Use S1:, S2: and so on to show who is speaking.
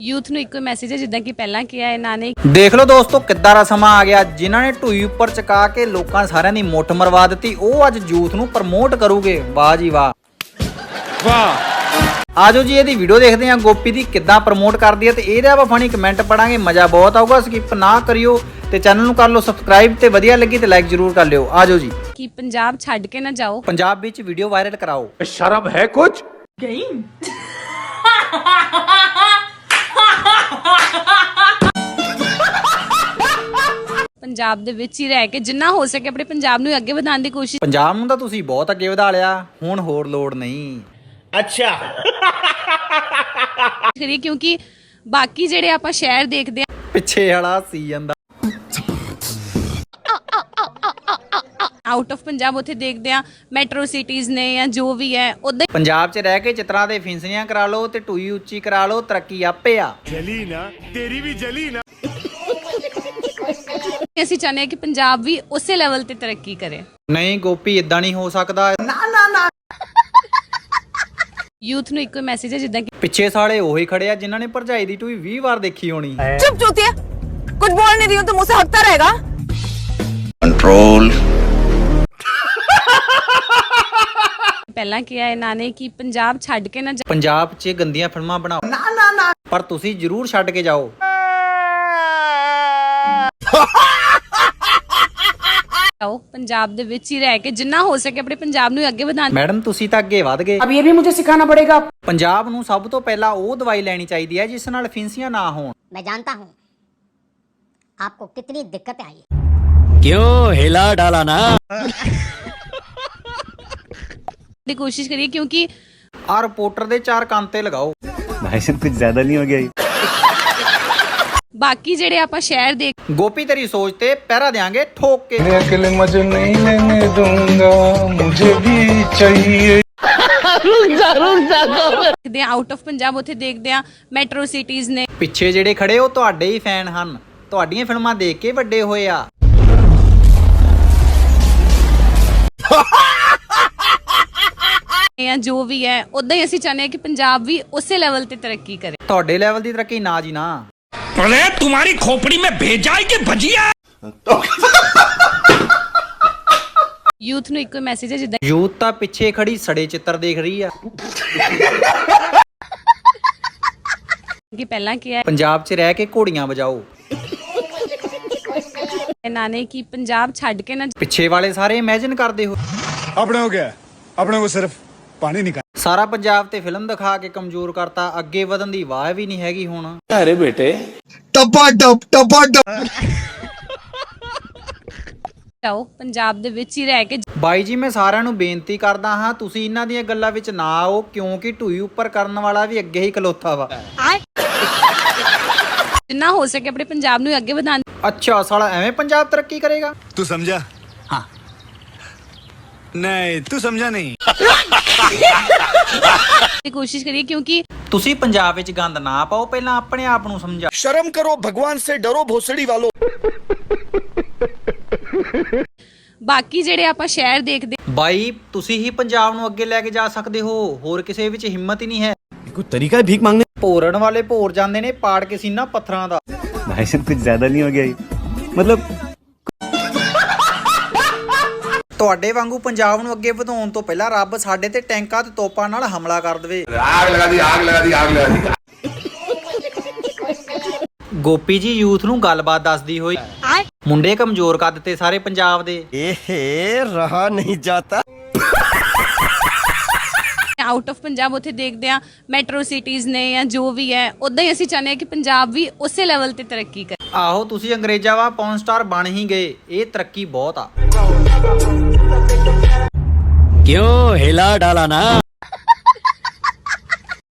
S1: Youth ਨੂੰ ਇੱਕੋ message ਹੈ ਜਿੱਦਾਂ ਕਿ ਪਹਿਲਾਂ ਕਿਹਾ ਇਹਨਾਂ ਨੇ।
S2: ਦੇਖ ਲਓ ਦੋਸਤੋ ਕਿੱਦਾਂ ਦਾ ਸਮਾਂ ਆ ਗਿਆ। ਜਿਨ੍ਹਾਂ ਨੇ ਢੂਈ ਉੱਪਰ ਚਕਾ ਕੇ ਲੋਕਾਂ ਸਾਰਿਆਂ ਦੀ ਮੁੱਠ ਮਰਵਾ ਦਿੱਤੀ, ਉਹ ਅੱਜ ਯੂਥ ਨੂੰ ਪ੍ਰਮੋਟ ਕਰੂਗੇ। ਵਾਹ ਜੀ ਵਾਹ, ਵਾਹ। ਆਜੋ ਜੀ ਇਹਦੀ ਵੀਡੀਓ ਦੇਖਦੇ ਹਾਂ ਗੋਪੀ ਦੀ ਕਿੱਦਾਂ ਪ੍ਰਮੋਟ ਕਰਦੀ ਹੈ, ਤੇ ਇਹਦੇ ਆਪਾਂ ਫਨੀ ਕਮੈਂਟ ਪੜਾਂਗੇ, ਮਜ਼ਾ ਬਹੁਤ ਆਊਗਾ। ਸਕਿਪ ਨਾ ਕਰਿਓ ਤੇ ਚੈਨਲ ਨੂੰ ਕਰ ਲਓ ਸਬਸਕ੍ਰਾਈਬ, ਤੇ ਵਧੀਆ ਲੱਗੀ ਤੇ ਲਾਈਕ ਜ਼ਰੂਰ ਕਰ ਲਿਓ। ਆਜੋ ਜੀ।
S1: ਕਿ ਪੰਜਾਬ ਛੱਡ ਕੇ ਨਾ ਜਾਓ।
S2: ਪੰਜਾਬ ਵਿੱਚ ਵੀਡੀਓ ਵਾਇਰਲ ਕਰਾਓ।
S3: ਸ਼ਰਮ ਹੈ ਕੁਛ?
S1: ਪੰਜਾਬ ਦੇ ਵਿੱਚ ਹੀ ਰਹਿ ਕੇ ਜਿੰਨਾ ਹੋ ਸਕੇ ਆਪਣੇ ਪੰਜਾਬ ਨੂੰ ਅੱਗੇ ਵਧਾਉਣ ਦੀ ਕੋਸ਼ਿਸ਼
S2: ਪੰਜਾਬ ਨੂੰ ਤਾਂ ਤੁਸੀਂ ਬਹੁਤ ਅੱਗੇ ਵਧਾ ਲਿਆ, ਹੁਣ ਹੋਰ ਲੋੜ ਨਹੀਂ।
S3: ਅੱਛਾ
S1: ਕਰੀਏ, ਕਿਉਂਕਿ ਬਾਕੀ ਜਿਹੜੇ ਆਪਾਂ ਸ਼ਹਿਰ ਦੇਖਦੇ ਆ
S2: ਪਿੱਛੇ ਵਾਲਾ ਸੀ ਜਾਂਦਾ
S1: ਆਊਟ ਆਫ ਪੰਜਾਬ, ਉੱਥੇ ਦੇਖਦੇ ਆ ਮੈਟਰੋ ਸਿਟੀਜ਼ ਨੇ ਜਾਂ ਜੋ ਵੀ ਹੈ ਉਦਾਂ
S2: ਪੰਜਾਬ 'ਚ ਰਹਿ ਕੇ ਚਿੱਤਰਾਂ ਦੇ ਫਿੰਸਣੀਆਂ ਕਰਾ ਲਓ ਤੇ ਟੂਈ ਉੱਚੀ ਕਰਾ ਲਓ, ਤਰੱਕੀ ਆਪੇ ਆ।
S3: ਜਲੀ ਨਾ ਤੇਰੀ ਵੀ ਜਲੀ ਨਾ।
S1: ਅਸੀਂ ਚਾਹੁੰਦੇ ਹਾਂ ਕਿ ਪੰਜਾਬ ਵੀ ਉਸੇ ਲੈਵਲ ਤੇ ਤਰੱਕੀ ਕਰੇ।
S2: ਨਹੀਂ ਗੋਪੀ, ਇਦਾਂ ਨਹੀਂ ਹੋ ਸਕਦਾ।
S1: ਯੂਥ ਨੂੰ ਇੱਕੋ ਮੈਸੇਜ ਹੈ ਜਿੱਦਾਂ ਕਿ
S2: ਪਿੱਛੇ ਸਾਲੇ ਉਹੀ ਖੜੇ ਆ ਜਿਨ੍ਹਾਂ ਨੇ ਭਰਜਾਈ ਦੀ ਟੂਈ 20 ਵਾਰ ਦੇਖੀ ਹੋਣੀ।
S4: चुप चूतिया, कुछ बोल नहीं रही हूँ तो मुझसे हकता रहेगा।
S3: ਕੰਟਰੋਲ।
S1: ਪਹਿਲਾਂ ਕਿਹਾ ਇਹਨਾਂ ਨੇ ਕਿ ਪੰਜਾਬ ਛੱਡ ਕੇ ਨਾ
S2: ਪੰਜਾਬ 'ਚ ਗੰਦੀਆਂ ਫਿਲਮਾਂ ਬਣਾਓ, ਪਰ ਤੁਸੀਂ ਜ਼ਰੂਰ ਛੱਡ ਕੇ ਜਾਓ।
S1: ਜਾਓ, ਪੰਜਾਬ ਦੇ ਵਿੱਚ ਹੀ ਰਹਿ ਕੇ ਜਿੰਨਾ ਹੋ ਸਕੇ ਆਪਣੇ ਪੰਜਾਬ ਨੂੰ ਅੱਗੇ ਵਧਾਉਣ।
S2: ਮੈਡਮ ਤੁਸੀਂ ਤਾਂ ਅੱਗੇ ਵਧ ਗਏ।
S4: अब ये भी मुझे सिखाना पड़ेगा।
S2: ਪੰਜਾਬ ਨੂੰ ਸਭ ਤੋਂ ਪਹਿਲਾਂ ਉਹ ਦਵਾਈ ਲੈਣੀ ਚਾਹੀਦੀ ਹੈ ਜਿਸ ਨਾਲ ਫਿੰਸੀਆਂ ਨਾ ਹੋਣ।
S5: मैं जानता हूँ आपको कितनी दिक्कतें आई।
S6: क्यों हिला डाला ना।
S1: ਦੀ ਕੋਸ਼ਿਸ਼ ਕਰੀਏ, ਕਿਉਂਕਿ
S2: ਆਹ ਰਿਪੋਰਟਰ ਦੇ 4 ਕੰਨ ਤੇ ਲਗਾਓ।
S6: भाई साहब कुछ ज्यादा नहीं हो गया?
S1: ਬਾਕੀ ਜਿਹੜੇ ਆਪਾਂ ਸ਼ਹਿਰ ਦੇਖ
S2: ਗੋਪੀ ਤੇਰੀ ਸੋਚ ਤੇ ਪਹਿਰਾ ਦੇਾਂਗੇ ਠੋਕ ਕੇ।
S7: अकेले मजे नहीं लेने दूंगा, मुझे भी चाहिए।
S1: ਦੇਖਦੇ ਆ ਆਊਟ ਆਫ ਪੰਜਾਬ, ਉੱਥੇ ਦੇਖਦੇ ਆ ਮੈਟਰੋ ਸਿਟੀਜ਼ ਨੇ
S2: ਪਿੱਛੇ ਜਿਹੜੇ ਖੜੇ ਉਹ ਤੁਹਾਡੇ ਹੀ ਫੈਨ ਹਨ, ਤੁਹਾਡੀਆਂ ਫਿਲਮਾਂ ਦੇਖ ਕੇ ਵੱਡੇ ਹੋਏ ਆ।
S1: ਜਾਂ ਜੋ ਵੀ ਹੈ ਉਦਾਂ ਹੀ ਅਸੀਂ ਚਾਹੁੰਦੇ ਹਾਂ ਕਿ ਪੰਜਾਬ ਵੀ ਉਸੇ ਲੈਵਲ ਤੇ ਤਰੱਕੀ ਕਰੇ।
S2: ਤੁਹਾਡੇ ਲੈਵਲ ਦੀ ਤਰੱਕੀ ਨਾ ਜੀ ਨਾ।
S3: अरे तुम्हारी खोपड़ी में भेजा है कि भजिया?
S1: ਯੂਥ ਨੂੰ ਇੱਕੋ ਮੈਸੇਜ ਹੈ ਜਿੱਦਾਂ
S2: ਯੂਥ ਤਾਂ ਪਿੱਛੇ ਖੜੀ ਸੜੇ ਚਿੱਤਰ ਦੇਖ ਰਹੀ ਆ।
S1: ਕਿ ਪਹਿਲਾਂ ਕਿਹਾ
S2: ਪੰਜਾਬ 'ਚ ਰਹਿ ਕੇ ਘੋੜੀਆਂ ਵਜਾਓ।
S1: ਇਹਨਾਂ ਨੇ ਕਿ ਪੰਜਾਬ ਛੱਡ ਕੇ ਨਾ
S2: ਪਿੱਛੇ ਵਾਲੇ ਸਾਰੇ ਇਮੇਜਿਨ ਕਰਦੇ ਹੋ
S7: अपने हो गया, अपने को सिर्फ पानी निकाल।
S2: ਸਾਰਾ ਪੰਜਾਬ ਤੇ ਫਿਲਮ ਦਿਖਾ ਕੇ ਕਮਜ਼ੋਰ ਕਰਤਾ, ਅੱਗੇ ਵਧਣ ਦੀ ਵਾਹ ਵੀ ਨਹੀਂ ਹੈਗੀ ਹੁਣ।
S3: अरे बेटे
S7: टपा टप।
S1: ਜਾਓ, ਪੰਜਾਬ ਦੇ ਵਿੱਚ ਹੀ ਰਹਿ ਕੇ
S2: ਬਾਈ ਜੀ, ਮੈਂ ਸਾਰਿਆਂ ਨੂੰ ਬੇਨਤੀ ਕਰਦਾ ਹਾਂ ਤੁਸੀਂ ਇਹਨਾਂ ਦੀਆਂ ਗੱਲਾਂ ਵਿੱਚ ਨਾ ਆਓ, ਕਿਉਂਕਿ ਢੂਈ ਉੱਪਰ ਕਰਨ ਵਾਲਾ ਵੀ ਅੱਗੇ ਹੀ ਖਲੋਤਾ ਵਾ।
S1: ਜਿੰਨਾ ਹੋ ਸਕੇ ਆਪਣੇ ਪੰਜਾਬ ਨੂੰ ਅੱਗੇ ਵਧਾਉਣ
S2: ਅੱਛਾ ਸਾਲਾ ਐਵੇਂ ਪੰਜਾਬ ਤਰੱਕੀ ਕਰੇਗਾ।
S7: तू समझा?
S2: हाँ।
S7: नहीं तू समझा नहीं।
S1: ਦੀ ਕੋਸ਼ਿਸ਼ ਕਰੀਏ, ਕਿਉਂਕਿ
S2: ਤੁਸੀਂ ਪੰਜਾਬ ਵਿੱਚ ਗੰਦ ਨਾ ਪਾਓ, ਪਹਿਲਾਂ ਆਪਣੇ ਆਪ ਨੂੰ ਸਮਝਾਓ।
S7: शर्म करो, भगवान से डरो भोसड़ी वालों।
S1: ਬਾਕੀ ਜਿਹੜੇ ਆਪਾਂ ਸ਼ਹਿਰ ਦੇਖਦੇ
S2: ਬਾਈ ਤੁਸੀਂ ਹੀ ਪੰਜਾਬ ਨੂੰ ਅੱਗੇ ਲੈ ਕੇ ਜਾ ਸਕਦੇ ਹੋ, ਹੋਰ ਕਿਸੇ ਵਿੱਚ ਹਿੰਮਤ ਹੀ ਨਹੀਂ ਹੈ।
S6: कोई तरीका है भीख मांगने?
S2: ਭੋਰਣ ਵਾਲੇ ਭੋਰ ਜਾਂਦੇ ਨੇ ਪਾੜ ਕੇ ਸੀਨਾ ਪੱਥਰਾਂ ਦਾ।
S6: भाई साहब कुछ ज्यादा नहीं हो गया? मतलब
S2: ਤੁਹਾਡੇ ਵਾਂਗੂ ਪੰਜਾਬ ਨੂੰ ਅੱਗੇ ਵਧਾਉਣ ਤੋਂ ਪਹਿਲਾਂ ਰੱਬ ਸਾਡੇ ਤੇ ਟੈਂਕਾਂ ਤੇ ਤੋਪਾਂ ਨਾਲ ਹਮਲਾ ਕਰ ਦੇਵੇ।
S3: आग लगा दी, आग लगा दी, आग लगा दी।
S2: ਗੋਪੀ ਜੀ ਯੂਥ ਨੂੰ ਗੱਲਬਾਤ ਦੱਸਦੀ ਹੋਈ, ਮੁੰਡੇ ਕਮਜ਼ੋਰ ਕਰ ਦਿੱਤੇ ਸਾਰੇ ਪੰਜਾਬ ਦੇ।
S6: रहा नहीं जाता।
S1: ਆਊਟ ਆਫ ਪੰਜਾਬ, ਉੱਥੇ ਦੇਖਦੇ ਆ ਮੈਟਰੋ ਸਿਟੀਜ਼ ਨੇ ਜਾਂ ਜੋ ਵੀ ਹੈ ਉਦਾਂ ਹੀ ਅਸੀਂ ਚਾਹੁੰਦੇ ਹਾਂ ਕਿ ਪੰਜਾਬ ਵੀ ਉਸੇ ਲੈਵਲ ਤੇ ਤਰੱਕੀ ਕਰੇ।
S2: ਆਹੋ ਤੁਸੀਂ ਅੰਗਰੇਜ਼ਾਂ ਵਾ ਪੌਨ ਸਟਾਰ ਬਣ ਹੀ ਗਏ, ਇਹ ਤਰੱਕੀ ਬਹੁਤ ਆ।
S6: क्यों हिला डाला ना।